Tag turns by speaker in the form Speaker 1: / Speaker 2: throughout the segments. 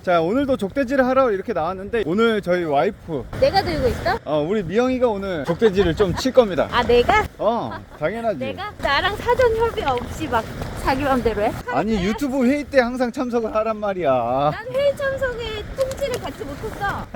Speaker 1: 자, 오늘도 족대지를 하러 이렇게 나왔는데 오늘 저희 와이프
Speaker 2: 내가 들고 있어?
Speaker 1: 우리 미영이가 오늘 족대지를 좀 칠 겁니다.
Speaker 2: 아 내가?
Speaker 1: 당연하지.
Speaker 2: 내가? 나랑 사전 협의 없이 막 자기 맘대로 해?
Speaker 1: 아니 유튜브 회의 때 항상 참석을 하란 말이야.
Speaker 2: 난 회의 참석에 통지를 받지 못했어.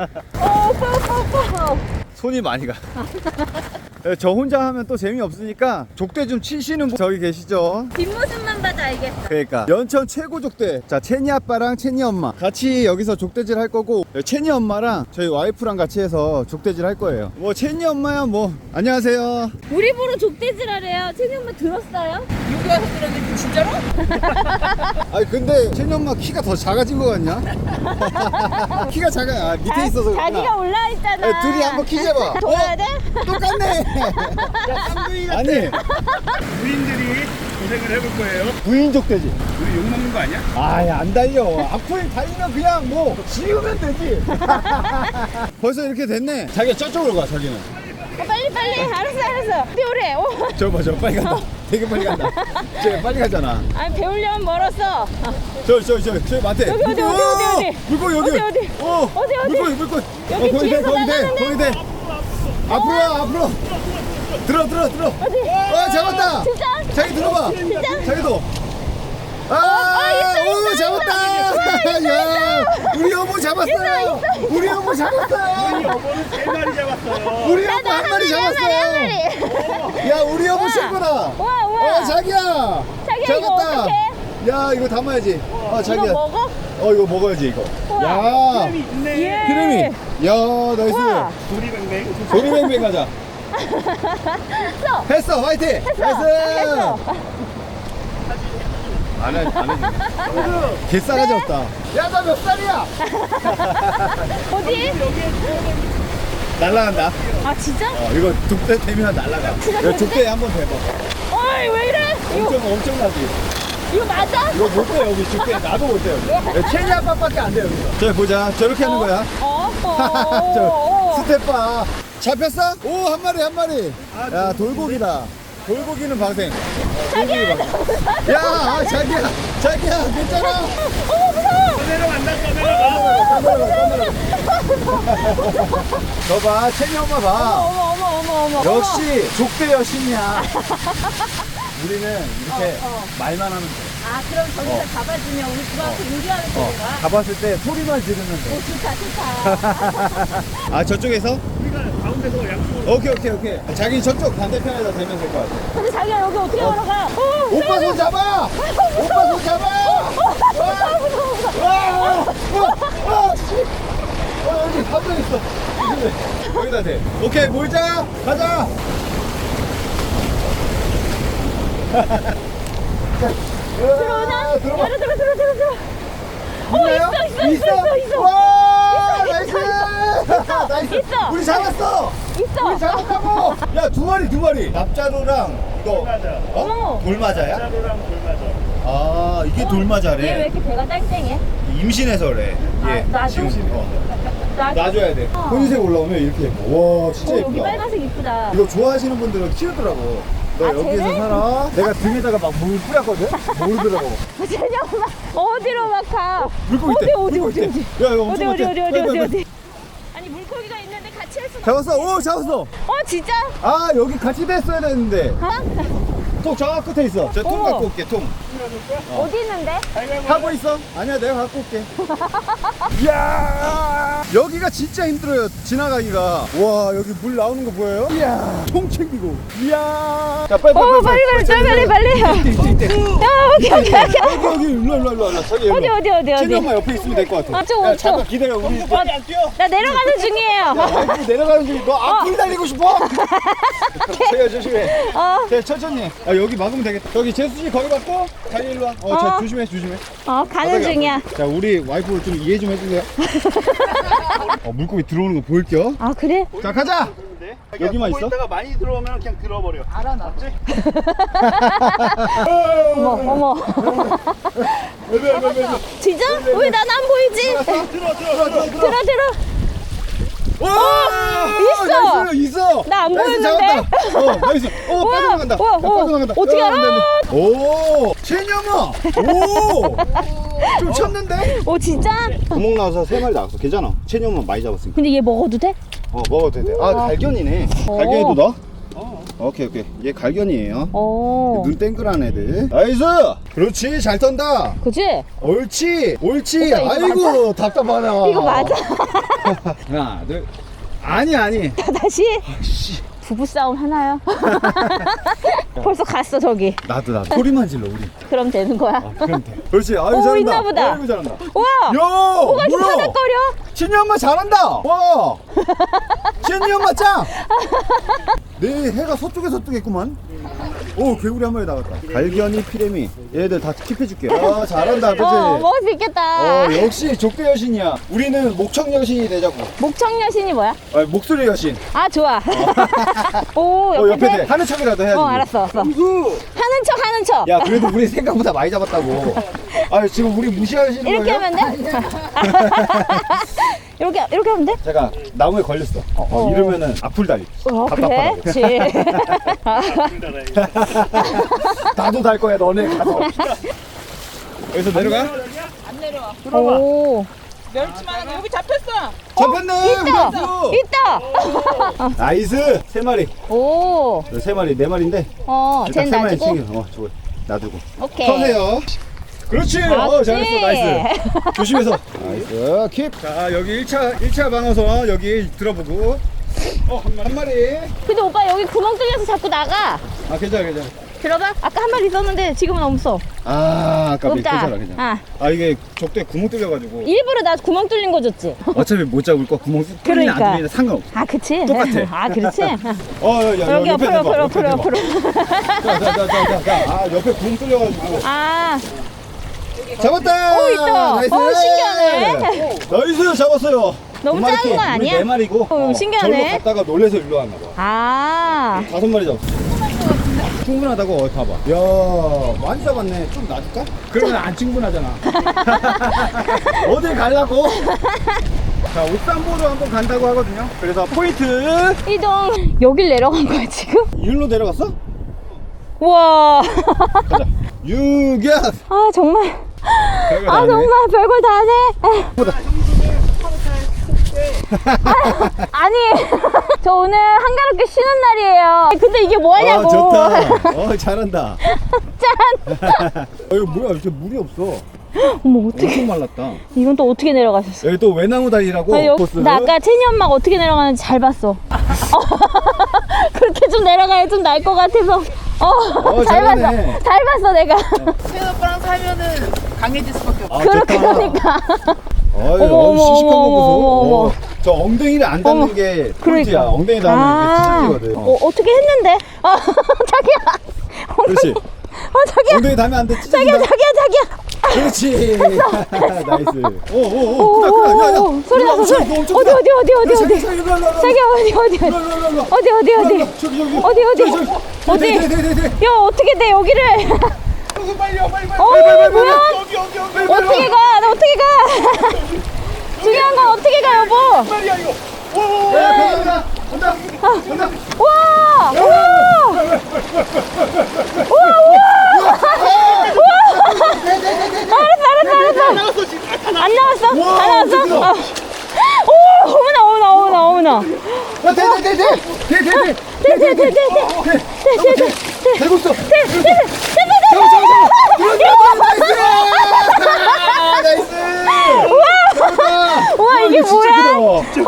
Speaker 2: 오빠.
Speaker 1: 손이 많이 가. 저 혼자 하면 또 재미없으니까 족대 좀 치시는 분 저기 계시죠?
Speaker 2: 뒷모습만 봐도 알겠어.
Speaker 1: 그러니까 연천 최고 족대. 자, 채니 아빠랑 채니 엄마 같이 여기서 족대질 할 거고, 채니 엄마랑 저희 와이프랑 같이 해서 족대질 할 거예요. 뭐 채니 엄마야 뭐 안녕하세요.
Speaker 2: 우리 보러 족대질 하래요. 채니 엄마 들었어요?
Speaker 3: 여기 와서 들었는데 진짜로?
Speaker 1: 아니 근데 채니 엄마 키가 더 작아진 거 같냐? 키가 작아. 밑에 있어서 그렇구나.
Speaker 2: 자기가 올라와 있잖아.
Speaker 1: 둘이 한번 키 재봐.
Speaker 2: 돌아야 돼?
Speaker 1: 똑같네. 아니
Speaker 4: 부인들이 고생을 해볼 거예요.
Speaker 1: 부인 족대지.
Speaker 4: 우리 욕먹는 거 아니야?
Speaker 1: 아예 안 달려. 앞을 달리면 그냥 뭐 지우면 되지. 벌써 이렇게 됐네. 자기가 저쪽으로 가. 자기는
Speaker 2: 빨리. 알았어. 배우래.
Speaker 1: 저 봐, 저 빨리 간다. 되게 빨리 간다. 저 빨리 가잖아.
Speaker 2: 아니 배우려면 멀었어.
Speaker 1: 저 마태.
Speaker 2: 어디?
Speaker 1: 물고 여기.
Speaker 2: 어디? 어디?
Speaker 1: 물고.
Speaker 2: 여기
Speaker 1: 거기 돼,
Speaker 2: 뒤에서
Speaker 1: 거기 돼. 앞으로. 들어.
Speaker 2: 어디?
Speaker 1: 잡았다.
Speaker 2: 진짜?
Speaker 1: 자기 들어봐.
Speaker 2: 진짜?
Speaker 1: 자기도.
Speaker 2: 있어.
Speaker 1: 잡았다. 야, 우리 여보 잡았어요. 우리 여보 잡았어요.
Speaker 4: 여보는 3마리 잡았어요.
Speaker 1: 우리 여보 한 마리 잡았어요. 야, 우리 여보 최고다.
Speaker 2: 우와.
Speaker 1: 자기야
Speaker 2: 자기야, 이거 어떡해?
Speaker 1: 야, 이거 담아야지. 자기야.
Speaker 2: 이거 먹어?
Speaker 1: 이거 먹어야지 이거. 야,
Speaker 4: 사람이 있네.
Speaker 2: 예.
Speaker 1: 크림이. 야, 나이스.
Speaker 2: 우와.
Speaker 4: 도리뱅뱅.
Speaker 1: 도리뱅뱅 가자. 했어. 화이팅.
Speaker 2: 했어.
Speaker 1: 안 해. 개싸가지 없다. 야, 나 몇 살이야?
Speaker 2: 어디?
Speaker 1: 날라간다.
Speaker 2: 아 진짜?
Speaker 1: 이거 족대 되면 날라가. 야, 족대 한번 대봐.
Speaker 2: 어이 왜 이래?
Speaker 1: 엄청나지.
Speaker 2: 이거 맞아?
Speaker 1: 이거 못 돼. 여기 족대 나도 못 돼. 여기. 체니 아빠밖에 안 돼 여기서. 자, 보자. 저렇게 하는 거야. 저 스텝바. 잡혔어? 오, 한 마리. 야, 돌고기다. 돌고기는 방생.
Speaker 2: 자기야.
Speaker 1: 야, 자기야, 괜찮아.
Speaker 4: 내려간다.
Speaker 1: 저 봐, 채니 엄마 봐.
Speaker 2: 어머.
Speaker 1: 역시 족대 여신이야. 우리는 이렇게 말만 하면 돼.
Speaker 2: 아 그럼 저기서 잡아주면 우리 그만큼 요리하는 거야?
Speaker 1: 가봤을 때 소리만 지르면 돼.
Speaker 2: 좋다.
Speaker 1: 저쪽에서?
Speaker 4: 우리가 가운데서 양쪽으로.
Speaker 1: 오케이. 자기 저쪽 반대편에다 대면 될 것 같아.
Speaker 2: 근데 자기야 여기 어떻게 걸어가?
Speaker 1: 오빠 손 잡아! 여기 한명 있어. 여기다 대. 오케이, 모이자. 가자.
Speaker 2: 들어오나?
Speaker 1: 들어봐.
Speaker 2: 들어. 있어.
Speaker 1: 와, 나이스.
Speaker 2: 있어.
Speaker 1: 우리 잡았어. 우리 잡았다고. 야, 두 마리. 납자루랑 이거.
Speaker 4: 맞아.
Speaker 1: 돌맞아야?
Speaker 4: 자루랑 돌맞아.
Speaker 1: 이게
Speaker 2: 얘 왜
Speaker 1: 돌맞아래.
Speaker 2: 이렇게 배가 땡땡해?
Speaker 1: 임신해서 그래.
Speaker 2: 나도?
Speaker 1: 지금 놔줘야 돼. 혼색 올라오면 이렇게 예뻐. 와, 진짜
Speaker 2: 여기
Speaker 1: 예쁘다.
Speaker 2: 빨간색 이쁘다.
Speaker 1: 이거 좋아하시는 분들은 키우더라고. 너 여기서
Speaker 2: 쟤네?
Speaker 1: 살아? 내가 등에다가 막 물 뿌렸거든? 모르더라고.
Speaker 2: 재녀마 어디로 막 가?
Speaker 1: 물고기 때.
Speaker 2: 어디?
Speaker 1: 야, 이거 엄청
Speaker 2: 어디?
Speaker 1: 많대.
Speaker 2: 아니 물고기가 있는데 같이 할 수가
Speaker 1: 잡았어. 오, 잡았어.
Speaker 2: 진짜?
Speaker 1: 여기 같이 됐어야 되는데.
Speaker 2: 어?
Speaker 1: 통 저 끝에 있어. 저 통
Speaker 2: 어머.
Speaker 1: 갖고 올게, 통.
Speaker 2: 어디 있는데?
Speaker 1: 하고 있어. 아니야, 내가 갖고 올게. 이야, 여기가 진짜 힘들어요, 지나가기가. 와, 여기 물 나오는 거 보여요? 이야, 통 챙기고. 이야. 자, 빨리.
Speaker 2: 빨리.
Speaker 1: 이때.
Speaker 2: 오케이.
Speaker 1: 여기, 일로. 저기,
Speaker 2: 어디?
Speaker 1: 채니 엄마 옆에 있으면 될 것 같아.
Speaker 2: 저.
Speaker 1: 잠깐 기다려, 우리.
Speaker 4: 안 뛰어.
Speaker 2: 나 내려가는 중이에요.
Speaker 1: 와이프 내려가는 중에 너 앞으로 달리고 싶어? 제가 조심해. 자, 천천히. 여기 막으면 되겠다. 저기 재수씨 거기 맞고 자기 일로 와. 자, 조심해.
Speaker 2: 가는 중이야.
Speaker 1: 자, 우리 와이프 좀 이해 좀 해주세요. 물고기 들어오는 거 보일게요.
Speaker 2: 아 그래?
Speaker 1: 자, 가자. 여기만 있어?
Speaker 4: 있다가 많이 들어오면 그냥 들어버려. 알아 나. 맞지?
Speaker 2: 어머. 진짜? 왜 난 안 보이지?
Speaker 4: 들어.
Speaker 2: 들어.
Speaker 1: 와!
Speaker 2: 있어.
Speaker 1: 나이스, 있어.
Speaker 2: 나안
Speaker 1: 나이스,
Speaker 2: 보였는데?
Speaker 1: 잡았다. 나이스. 빠져나간다.
Speaker 2: 우와,
Speaker 1: 야,
Speaker 2: 우와.
Speaker 1: 빠져나간다.
Speaker 2: 어떻게
Speaker 1: 야,
Speaker 2: 알아?
Speaker 1: 안 돼, 안 돼. 오, 채녀마. 오, 좀 쳤는데?
Speaker 2: 오 진짜?
Speaker 1: 구멍 나와서 3마리 나왔어. 괜찮아. 채녀마 많이 잡았으니까.
Speaker 2: 근데 얘 먹어도 돼?
Speaker 1: 먹어도 돼. 아, 갈견이네.
Speaker 2: 어.
Speaker 1: 갈견이도 넣어? 오케이. 얘 갈견이에요.
Speaker 2: 어.
Speaker 1: 눈 땡글한 애들. 나이스. 그렇지, 잘 턴다.
Speaker 2: 그치?
Speaker 1: 옳지.
Speaker 2: 오빠, 이거
Speaker 1: 아이고, 답답하다.
Speaker 2: 이거 맞아.
Speaker 1: 하나, 둘. 아니.
Speaker 2: 다시?
Speaker 1: 씨.
Speaker 2: 부부싸움 하나요? 벌써 갔어 저기.
Speaker 1: 나도. 소리만 질러, 우리.
Speaker 2: 그럼 되는 거야?
Speaker 1: 그럼 돼. 그렇지. 아유,
Speaker 2: 오,
Speaker 1: 잘한다.
Speaker 2: 있나 보다.
Speaker 1: 아이고, 잘한다.
Speaker 2: 우와!
Speaker 1: 야,
Speaker 2: 뭐가 이렇게
Speaker 1: 뭐야?
Speaker 2: 파닥거려?
Speaker 1: 신이 엄마 잘한다. 와. 신이 엄마 짱. 내 해가 서쪽에서 뜨겠구만. 오, 개구리 한 마리 나갔다. 갈견이, 피레미. 얘들 다 킵해줄게. 아, 잘한다, 그치?
Speaker 2: 먹을 수 있겠다.
Speaker 1: 역시 족대 여신이야. 우리는 목청 여신이 되자고.
Speaker 2: 목청 여신이 뭐야?
Speaker 1: 목소리 여신.
Speaker 2: 아 좋아. 오
Speaker 1: 옆에
Speaker 2: 옆에
Speaker 1: 대. 하는 척이라도 해야지.
Speaker 2: 알았어. 하는 척.
Speaker 1: 야, 그래도 우리 생각보다 많이 잡았다고. 지금 우리 무시하시는 거예요?
Speaker 2: 이렇게 하면 돼? 이렇게 하면 돼?
Speaker 1: 제가 나무에 걸렸어. 이러면은 악플 달리.
Speaker 2: 그래? 그치.
Speaker 1: 나도 달 거야, 너네 가서. 여기서 내려가?
Speaker 3: 안 내려와.
Speaker 2: 오.
Speaker 3: 멸치만 여기 잡혔어.
Speaker 1: 잡혔네.
Speaker 2: 있다.
Speaker 1: 우리
Speaker 2: 있다.
Speaker 1: 나이스. 3마리.
Speaker 2: 오.
Speaker 1: 3마리, 4마리인데.
Speaker 2: 쟤는 놔주고.
Speaker 1: 저거 놔두고.
Speaker 2: 오케이.
Speaker 1: 서세요. 그렇지.
Speaker 2: 맞지?
Speaker 1: 잘했어. 나이스. 조심해서. 나이스. 킵. 자, 여기 1차 방어선 여기 들어보고. 한 마리.
Speaker 2: 근데 오빠 여기 구멍 뚫려서 자꾸 나가.
Speaker 1: 괜찮아.
Speaker 2: 들어봐. 아까 한 마리 있었는데 지금은 없어.
Speaker 1: 아까
Speaker 2: 없다.
Speaker 1: 괜찮아. 이게 족대 구멍 뚫려가지고.
Speaker 2: 일부러 나 구멍 뚫린 거 줬지.
Speaker 1: 어차피 못 잡을 거 구멍 뚫리는 안
Speaker 2: 그러니까.
Speaker 1: 뚫리는 상관없어.
Speaker 2: 아 그치?
Speaker 1: 똑같아.
Speaker 2: 아 그렇지?
Speaker 1: 야,
Speaker 2: 여기
Speaker 1: 옆에 대봐,
Speaker 2: 옆으로.
Speaker 1: 자, 옆에 구멍 뚫려가지고.
Speaker 2: 아.
Speaker 1: 잡았다!
Speaker 2: 있다.
Speaker 1: 나이스!
Speaker 2: 신기하네.
Speaker 1: 나이스! 잡았어요.
Speaker 2: 너무
Speaker 1: 두 마리
Speaker 2: 작은
Speaker 1: 또,
Speaker 2: 거 아니야?
Speaker 1: 우리 4마리고.
Speaker 2: 신기하네.
Speaker 1: 절로 갔다가 놀래서 일로 왔나 봐.
Speaker 2: 아.
Speaker 1: 5마리 잡았어. 충분하다고 봐봐. 야, 많이 잡았네. 좀 놔줄까? 그러면 안 충분하잖아. 어딜 가려고? 자, 옥산보로 한번 간다고 하거든요. 그래서 포인트.
Speaker 2: 이동. 여길 내려간 거야 지금?
Speaker 1: 일로 내려갔어?
Speaker 2: 우와.
Speaker 1: 가자. 유견.
Speaker 2: 아 정말.
Speaker 1: 별거 다 하네.
Speaker 2: 정말 별걸 다 하네. 아니 저 오늘 한가롭게 쉬는 날이에요. 근데 이게 뭐하냐고.
Speaker 1: 좋다. 잘한다.
Speaker 2: 짠.
Speaker 1: 이거 뭐야? 이렇게 물이 없어.
Speaker 2: 어머 어떻게
Speaker 1: 엄청 말랐다.
Speaker 2: 이건 또 어떻게 내려가셨어?
Speaker 1: 여기 또 외나무 다리라고 코스.
Speaker 2: 나 아까 채니 엄마가 어떻게 내려가는지 잘 봤어. 그렇게 좀 내려가야 좀 나을 것 같아서. 잘 봤어.
Speaker 1: 잘하네.
Speaker 2: 잘 봤어 내가.
Speaker 3: 태연 오빠랑 살면은 강해질 수밖에 없어.
Speaker 2: 그러니까.
Speaker 1: 어머, 시식한 거
Speaker 2: 어머.
Speaker 1: 보소. 저 엉덩이를 안 닿는 게 포인트야.
Speaker 2: 그러니까.
Speaker 1: 엉덩이 닿으면 이게 찢어지거든.
Speaker 2: 어떻게 했는데? 자기야.
Speaker 1: 그렇지.
Speaker 2: 자기야.
Speaker 1: 엉덩이 닿으면 안 돼. 찢어진다.
Speaker 2: 자기야.
Speaker 1: 그렇지. 나이스. 크다. 야.
Speaker 2: 소리 나서 소리. 어디. 자기야 어디. 야 어떻게 돼 여기를.
Speaker 1: 빨리.
Speaker 2: 뭐야?
Speaker 1: 여기.
Speaker 2: 어떻게 가? 나 어떻게 가? 중요한 건 어떻게 가 여보.
Speaker 1: 빨리야 이거. 오. 온다.
Speaker 2: 우와. 알았어. 안 나왔어?
Speaker 1: 우와,
Speaker 2: 안 나왔어?
Speaker 1: 어떡해.
Speaker 2: 어머나.
Speaker 1: 돼. 되고 있어. 나이스.
Speaker 2: 우와 이게 뭐야?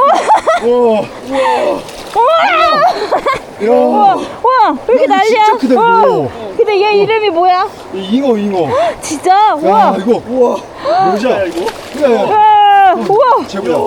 Speaker 2: 우와 왜 이렇게 난리야?
Speaker 1: 진짜 크다, 이거.
Speaker 2: 근데 얘 이름이 뭐야?
Speaker 1: 잉어.
Speaker 2: 진짜? 우와.
Speaker 1: 이거. 뭐야 이거? 그래.
Speaker 2: 우와.
Speaker 1: 제보자.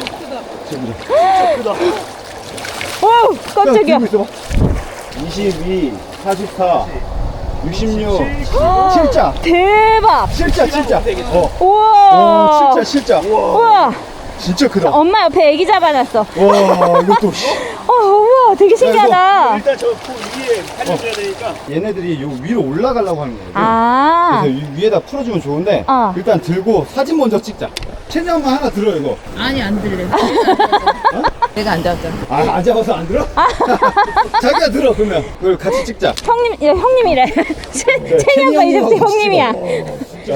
Speaker 2: 와 깜짝이야.
Speaker 1: 22, 44, 66, 7자.
Speaker 2: 대박.
Speaker 1: 7자.
Speaker 2: 우와.
Speaker 1: 7자.
Speaker 2: 우와.
Speaker 1: 진짜 크다.
Speaker 2: 엄마 옆에 애기 잡아놨어.
Speaker 1: 와, 이것도.
Speaker 2: 우와 되게 신기하다.
Speaker 4: 일단 저 위에 살려줘야 되니까.
Speaker 1: 얘네들이 요 위로 올라가려고 하는 거예요.
Speaker 2: 아.
Speaker 1: 그래서 위에다 풀어주면 좋은데 일단 들고 사진 먼저 찍자. 채니 엄마 하나 들어 이거.
Speaker 3: 아니 안 들래. 내가 안 잡았잖아.
Speaker 1: 아, 안 잡아서 안 들어? 자기가 들어, 그러면. 그걸 같이 찍자.
Speaker 2: 형님, 야, 형님이래. 채니
Speaker 1: 채니
Speaker 2: 아빠 이제부터
Speaker 1: 형님하고
Speaker 2: 형님이야.
Speaker 1: 찍어.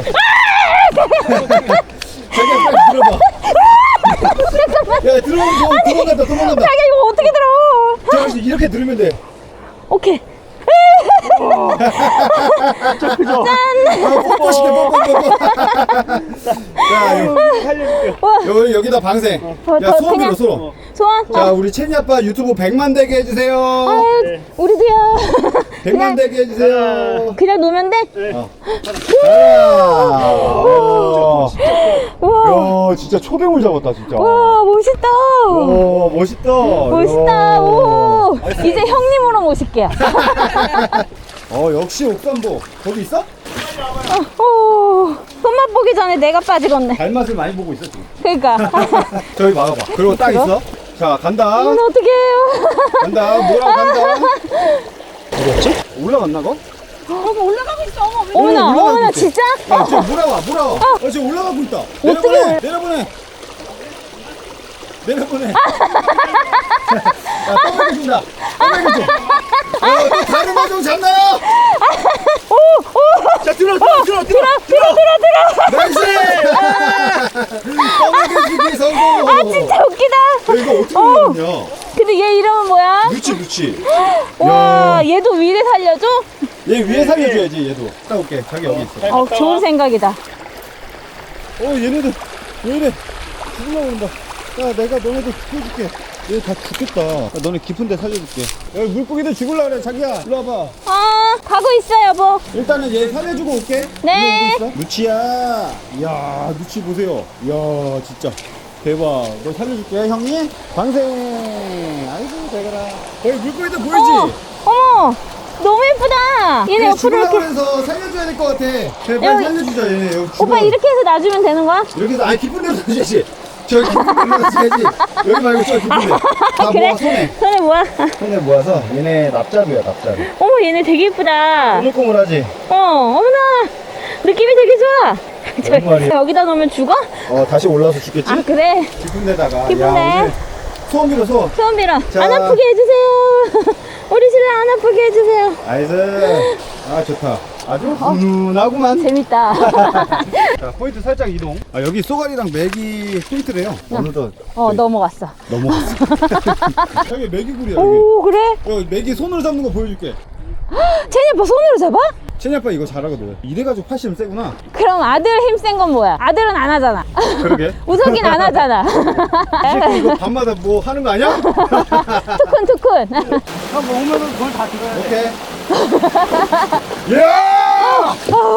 Speaker 1: 자기가 빨리 들어봐. 야, 도망간다.
Speaker 2: 자기야, 이거 어떻게 들어?
Speaker 1: 자, 이렇게 들으면 돼.
Speaker 2: 오케이.
Speaker 1: 뽀뽀 시켜, 뽀뽀. 자, 여기다 방생. 야, 소원비로 소원.
Speaker 2: 소원?
Speaker 1: 자, 우리 채니 아빠 유튜브 100만 되게 해주세요.
Speaker 2: 아유, 우리도요.
Speaker 1: 100만 되게 해주세요.
Speaker 2: 그냥 놓으면 돼? 우와.
Speaker 1: 야, 진짜 초뱅을 잡았다, 진짜.
Speaker 2: 와, 멋있다.
Speaker 1: 오, 멋있다.
Speaker 2: 멋있다.
Speaker 1: 야.
Speaker 2: 오. 이제 형님으로 모실게요.
Speaker 1: 역시 옥산보. 거기 있어?
Speaker 2: 오. 손맛 보기 전에 내가 빠지겠네.
Speaker 1: 발맛을 많이 보고 있어, 지금.
Speaker 2: 그러니까.
Speaker 1: 저기 막아봐. 그리고 딱 있어. 자, 간다.
Speaker 2: 이건 어떻게 해요?
Speaker 1: 간다. 뭐라고 간다. 어디였지? 올라갔나, 거?
Speaker 3: 어머 올라가고 있어. 어머 왜?
Speaker 2: 어머나,
Speaker 1: 올라가고
Speaker 2: 어머나,
Speaker 1: 있지?
Speaker 2: 진짜?
Speaker 1: 야, 지금 몰아와. 지금 올라가고 있다.
Speaker 2: 어떻게
Speaker 1: 내려보내. 야, 떠먹여준다. 또 다른 마중 잡나요? 자, 들어. 나이스! 떠먹여주기 성공.
Speaker 2: 아, 진짜 웃기다.
Speaker 1: 야, 이거 어떻게 올라갔냐?
Speaker 2: 근데 얘 이름은 뭐야?
Speaker 1: 루치.
Speaker 2: 와, 얘도 위를 살려줘?
Speaker 1: 얘 위에 살려줘야지, 얘도. 딱 올게. 자기 여기 있어.
Speaker 2: 좋은 생각이다.
Speaker 1: 얘네들 왜 이래? 죽으려고 그런다. 야, 내가 너네들 죽여줄게. 얘 다 죽겠다. 너네 깊은 데 살려줄게. 여기 물고기들 죽으려고 그래, 자기야. 일로 와봐.
Speaker 2: 가고 있어, 여보.
Speaker 1: 일단은 얘 살려주고 올게.
Speaker 2: 네.
Speaker 1: 일로 오고 있어. 루치야. 이야, 루치 보세요. 이야, 진짜. 대박. 너 살려줄게, 형님. 방생. 아이고, 잘 가라. 거기 물고기들 보이지?
Speaker 2: 어머, 너무 예쁘다. 얘네 옆으로
Speaker 1: 죽으려고
Speaker 2: 이렇게.
Speaker 1: 해서 살려줘야 될 것 같아. 제발
Speaker 2: 여기-
Speaker 1: 살려주자, 얘네. 여기
Speaker 2: 오빠
Speaker 1: 죽어.
Speaker 2: 이렇게 해서 놔주면 되는 거야?
Speaker 1: 이렇게 해서, 깊은 데서 줘야지. 저기 깊은 데서 줘야지. 여기 말고 저 깊은 데. 다
Speaker 2: 그래?
Speaker 1: 모아, 손에.
Speaker 2: 손에 뭐야?
Speaker 1: 손에 모아서 얘네 납자루야, 납자루.
Speaker 2: 어머, 얘네 되게 예쁘다.
Speaker 1: 꼬물꼬물하지?
Speaker 2: 어머나. 느낌이 되게 좋아.
Speaker 1: 너무 말이야.
Speaker 2: 여기다 놓으면 죽어?
Speaker 1: 다시 올라와서 죽겠지?
Speaker 2: 아, 그래.
Speaker 1: 깊은 데다가.
Speaker 2: 깊은
Speaker 1: 야,
Speaker 2: 데.
Speaker 1: 오늘 소원 빌어, 소원.
Speaker 2: 소원 빌어.
Speaker 1: 자.
Speaker 2: 안 아프게 해주세요. 우리 신랑 안 아프게 해주세요.
Speaker 1: 나이스. 아, 좋다. 아주 훈훈하구만.
Speaker 2: 재밌다.
Speaker 1: 자, 포인트 살짝 이동. 여기 쏘가리랑 맥이 포인트래요. 어느덧
Speaker 2: 넘어갔어.
Speaker 1: 넘어갔어. 여기 맥이구리야, 여기.
Speaker 2: 오, 그래?
Speaker 1: 맥이 손으로 잡는 거 보여줄게.
Speaker 2: 채니 아빠 손으로 잡아?
Speaker 1: 채니 아빠 이거 잘하거든. 이래가지고 팔씨름 세구나.
Speaker 2: 그럼 아들 힘 센 건 뭐야? 아들은 안 하잖아.
Speaker 1: 그러게.
Speaker 2: 우석이는 안 하잖아.
Speaker 1: 이 이거 밤마다 뭐 하는 거 아니야?
Speaker 2: 투쿤.
Speaker 4: 한번 오면은 그걸 다 들어야 돼.
Speaker 1: 오케이. 야!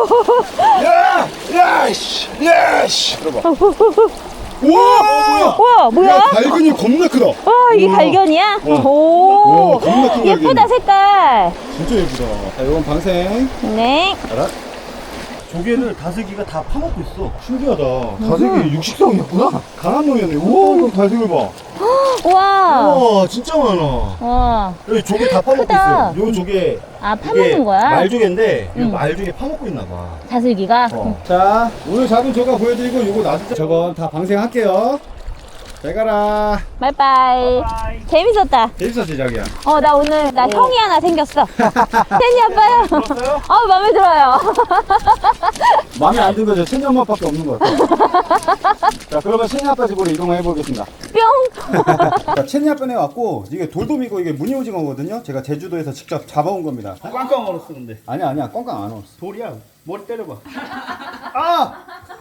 Speaker 1: 야! 씨! 들어봐. 우와!
Speaker 2: 우와, 뭐야?
Speaker 1: 야, 발근이 겁나 크다.
Speaker 2: 이게
Speaker 1: 우와.
Speaker 2: 발견이야?
Speaker 1: 우와,
Speaker 2: 오,
Speaker 1: 겁나 큰
Speaker 2: 예쁘다,
Speaker 1: 발견이야.
Speaker 2: 색깔.
Speaker 1: 진짜 예쁘다. 자, 이건 방생.
Speaker 2: 네.
Speaker 1: 알아?
Speaker 4: 조개를 다슬기가 다 파먹고 있어.
Speaker 1: 신기하다. 다슬기 육식성이었구나. 강한 놈이었네. 우와, 이거 다슬기 봐.
Speaker 2: 우와.
Speaker 1: 우와, 진짜 많아.
Speaker 2: 와.
Speaker 1: 여기 조개 다 파먹고
Speaker 2: 크다.
Speaker 1: 있어. 요 조개.
Speaker 2: 아,
Speaker 1: 이게
Speaker 2: 파먹는 거야?
Speaker 1: 말조개인데, 이
Speaker 2: 응.
Speaker 1: 말조개 파먹고 있나 봐.
Speaker 2: 다슬기가?
Speaker 1: 자, 오늘 잡은 조가 보여드리고 요거 놔두자. 저건 다 방생할게요. 잘 가라.
Speaker 2: 바이바이. 재밌었다.
Speaker 1: 재밌었지, 자기야?
Speaker 2: 나 오늘 형이 하나 생겼어. 채니 아빠요. 마음에 들어요.
Speaker 1: 마음에 안 들고 저 채니 엄마밖에 없는 것 같아. 자, 그러면 채니 아빠 집으로 이동해 보겠습니다.
Speaker 2: 뿅.
Speaker 1: 자, 채니 아빠네 왔고, 이게 돌돔이고 이게 무늬오징어거든요. 제가 제주도에서 직접 잡아온 겁니다.
Speaker 4: 꽝꽝 얼었어 근데.
Speaker 1: 아니야, 꽝꽝 안 얼었어.
Speaker 4: 돌이야. 머리 때려봐.
Speaker 1: 아!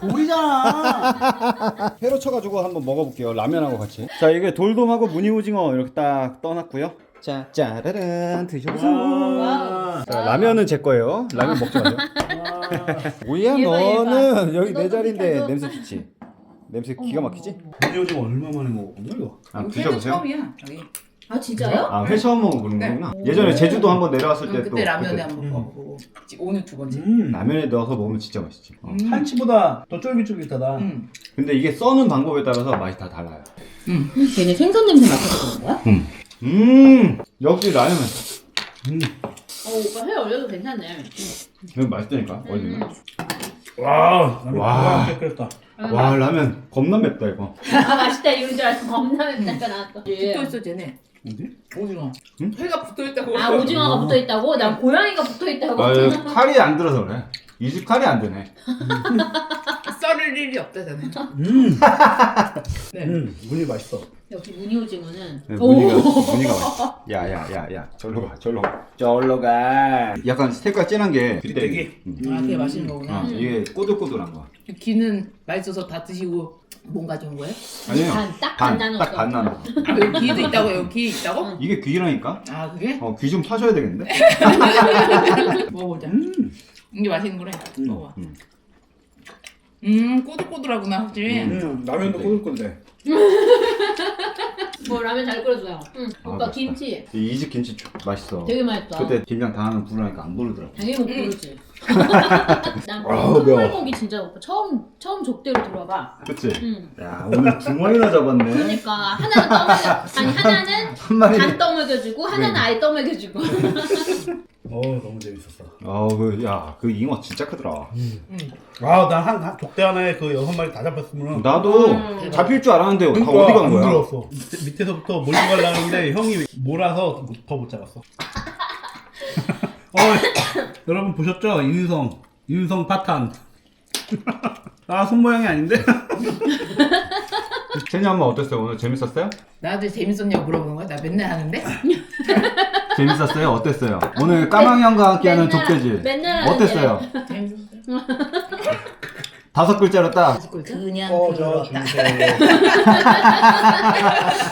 Speaker 1: 돌이잖아. 회로 쳐가지고 한번 먹어볼게요. 라면하고 같이. 자, 이게 돌돔하고 무늬오징어 이렇게 딱 떠놨고요. 자, 짜라란 드셔보세요. 자, 라면은 제 거예요. 라면 먹지 마세요. 뭐야, 너는 여기 내 자리인데 냄새 좋지? 냄새 기가 막히지?
Speaker 4: 무늬오징어 얼마 만에 먹었냐 이거?
Speaker 1: 드셔보세요.
Speaker 3: 처음이야. 여기. 아 진짜요?
Speaker 1: 회 처음 먹어보는 거구나. 예전에 제주도 한번 내려왔을 때 또.
Speaker 3: 그때 라면에 한번 먹어보고 오늘 두 번째.
Speaker 1: 라면에 넣어서 먹으면 진짜 맛있지.
Speaker 4: 한치보다 더 쫄깃쫄깃하다.
Speaker 1: 근데 이게 써는 방법에 따라서 맛이 다 달라요.
Speaker 3: 걔네 생선 냄새 맡아서 그런 거야?
Speaker 1: 역시 라면.
Speaker 3: 오빠 회 올려도 괜찮네.
Speaker 1: 이거 맛있다니까, 어디는.
Speaker 4: 와, 라면
Speaker 1: 와.
Speaker 4: 와. 끓였다.
Speaker 1: 와 라면 겁나 맵다 이거.
Speaker 2: 아 맛있다 이런 줄 알고 겁나 맵다가 나왔어.
Speaker 3: 붙어있어 쟤네.
Speaker 4: 어디?
Speaker 3: 오징어.
Speaker 1: 응?
Speaker 3: 회가 붙어있다고.
Speaker 2: 아 오징어가 붙어있다고? 난 고양이가 붙어있다고.
Speaker 1: 아 칼이 안 들어서 그래. 이 집 칼이 안 되네.
Speaker 3: 썰을 일이 없다 쟤네. 네.
Speaker 4: 무늬 맛있어.
Speaker 2: 역시 무늬 오징어는.
Speaker 1: 네, 무늬가 맛있어. 야야야야 절로 가. 약간 색깔 진한 게
Speaker 4: 빗대기.
Speaker 3: 아 그게 맛있는 거구나.
Speaker 1: 이게 꼬들꼬들한 거.
Speaker 3: 귀는 맛있어서 다 드시고 뭔 가져온 거예요?
Speaker 1: 아니에요.
Speaker 2: 반 나눴어.
Speaker 1: 딱 반 나눴어.
Speaker 3: 아 여기 귀도 있다고? 여기 귀 있다고?
Speaker 1: 이게 귀라니까?
Speaker 3: 아 그게?
Speaker 1: 귀 좀 파셔야 되겠는데?
Speaker 3: 먹어보자. 이게 맛있는 거래. 먹어봐.
Speaker 1: 음.
Speaker 3: 꼬들꼬들하구나 확실히.
Speaker 4: 라면도 꼬들꼬들해.
Speaker 2: 뭐 라면 잘 끓여줘요. 응.
Speaker 1: 아,
Speaker 2: 오빠
Speaker 1: 맛있다.
Speaker 2: 김치
Speaker 1: 이 집 김치 맛있어.
Speaker 2: 되게 맛있다.
Speaker 1: 그때 김장 당하면 부르니까 안 부르더라고.
Speaker 2: 당연히 못 부르지. 난
Speaker 1: 아우, 매워.
Speaker 2: 콩불고기 진짜 오빠 처음 족대로 들어봐.
Speaker 1: 그치?
Speaker 2: 응.
Speaker 1: 야 오늘 두 마리나 잡았네.
Speaker 2: 그러니까 하나는 하나는
Speaker 1: 한 마리.
Speaker 2: 반 떠먹여주고 하나는
Speaker 1: 네.
Speaker 2: 아예 떠먹여주고.
Speaker 4: 너무 재밌었어.
Speaker 1: 그 잉어 진짜 크더라.
Speaker 4: 아, 난 족대 하나에 그 6마리 다 잡혔으면
Speaker 1: 나도 잡힐 줄 알았는데 다 어디 간
Speaker 4: 안
Speaker 1: 거야?
Speaker 4: 들어왔어. 밑에서부터 몰고 가려는데 형이 몰아서 더 못 잡았어. 여러분 보셨죠? 인성 파탄. 아, 손 모양이 아닌데?
Speaker 1: 제니 엄마 어땠어요? 오늘 재밌었어요?
Speaker 3: 나한테 재밌었냐고 물어보는 거야? 나 맨날 하는데?
Speaker 1: 재밌었어요? 어땠어요? 오늘 까망이 형과 함께하는
Speaker 2: 맨날-
Speaker 1: 족대지?
Speaker 2: 맨날 하는
Speaker 1: 어땠어요?
Speaker 3: 재밌었어요.
Speaker 1: 5글자로 딱
Speaker 3: 그냥
Speaker 4: 저
Speaker 3: 그렇다.
Speaker 4: 주세요.